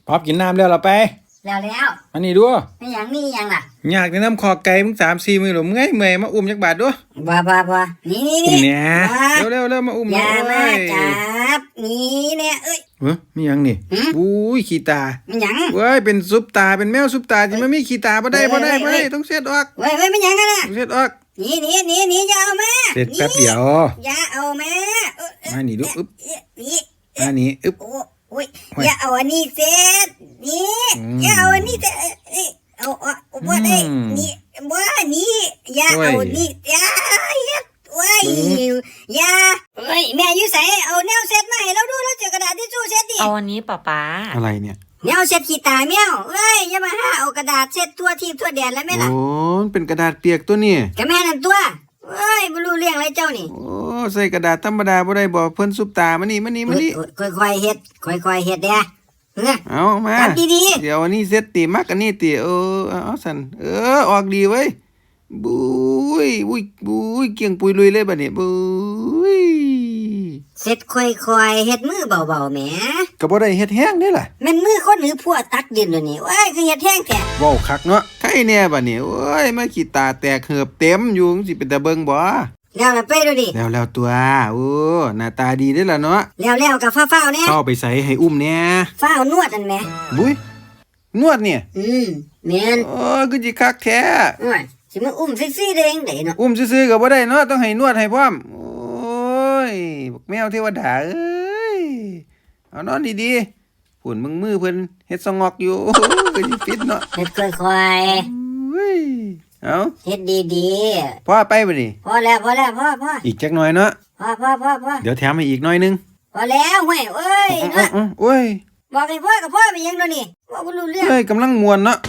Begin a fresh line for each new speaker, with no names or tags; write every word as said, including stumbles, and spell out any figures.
พอบกินน้ำแล้วเราไป
แล้วแล้ว
อันนี้ดู
ไม่ยังนี่ยังล่ะ
อยากจะน้ำคอไก่มึงสามสี่มือหรือมึงไงเมื่อยมาอุ้มจักบาทด้วย
บ้าบ้าบ้านี่นี่
อุ้ม
นี่
เนี่ยเร็วเร็วเร็วมาอุ้ม
อย่ามาจับนี่เนี่ยเอ้ย
เฮ้ยมียังนี่อุ้ยขี้ตา
ไม่ยัง
เว้ยเป็นซุปตาเป็นแมวซุปตาจะไม่มีขี้ตาบ่ได้บ่ได้บ่ได้ต้องเช็ดออก
เว้ยเว้ยไม่ยังกันนะ
ต้องเช็ดออก
นี่นี่นี่นี่อย่าเอามา
เสร็จแป๊บเดียว
อย่าเอามา
มานี่ดูอึ๊บ
นี่
มานี่อึ๊บ
โอ้ยอย่าเอาอันนี้เสร็จนี่อย่าเอาอันนี้เสร็จเอาเอาบ่ได้นี่บ่นี่อย่าเอานี่อย่าโอ้ยอย่าเฮ้ยแม่อยู่ไสเอาแนวเซ็ตมาให้เราดูแล้วเจอกระดาษทิชชู่เซ็ตดิ
เอาอันนี้ป๊าป๊า
อะไรเนี่ย
แนวเซ็ตขี้ตาแมวเอ้ยอย่ามาหาเอากระดาษเซ็ตทั่วทีทั่วแดนแล้วแม่ล่ะ
โอ้เป็นกระดาษเปียกตัวนี่
ก็แม่นั่นตัวเอ้ยบ่รู้เรื่องอะไรเจ้านี่
โอ้ใส่กระดาษธรรมดาบ่ได้บ่เพิ่นซุปตามานี่มานี่มานี่
ค่อยๆเฮ็ดค่อยๆเฮ็ดเด้อ
เอามา
จับดี
ๆเดี๋ยวอันนี้เซ็ตติมักอันนี้ติเออเอาสั่นเออออกดีเว้ยบุ้ยบุ้ยบุ้ยเกี่ยงปุยลุยเลยบัดนี้บุ้ย
เซ็ตค่อยๆเฮ็ดมือเบาๆแหม
ก็บ่ได้เฮ็ดแห้งเด้ล่ะ
แม่นมือคนหรือพวกตักดินเดี๋ยวนี้โอ้ยคือเฮ็ดแห้งแท้
เว้าคักเนาะใครแน่บัดนี้โอ้ยมาขี้ตาแตกเหือบเต็มอยู่สิเป็นตาเบิ่งบ่
แล้วไปดูดิ
แล้วแล้วตัวโอ้หน้าตาดีเด้ล่ะเนาะ
แล้วแล้วกับฟ้าวๆแน่
เข้าไปใส่ให้อุ้มแน่
ฟ้าวนวดนั่นแหม
บุ้ยนวดเนี่ย
อืมแม่น
โอ้คือสิคักแท้
โอ้ยสิมาอุ้มซี่ๆได้จังได๋เนาะ
อุ้มซื่อๆก็บ่ได้เนาะต้องให้นวดให้พร้อมโอ้ยบักแมวเทวดาเอ้ยเอานอนดีๆฝุ่นมึงมือเพิ่นเฮ็ดสงอกอยู่ก็สิฟิตเนาะ
เฮ็ดค่อย
ๆเฮ้ยเอา
เฮ็ดดี
ๆพอไปบ่นี่
พอแล้วพอแล้วพอพอ
อีกจักหน่อยเนาะ
พอพอพอพอ
เดี๋ยวแถมให้อีกหน่อยนึง
พอแล้วเว้ยเอ้ยเนาะ
โอ้ย
บอกให้พ่อกับพ่อไปยังเดี๋ยวนี้บ่รู้เรื่อง
เฮ้ยกำลังม่วนเนาะ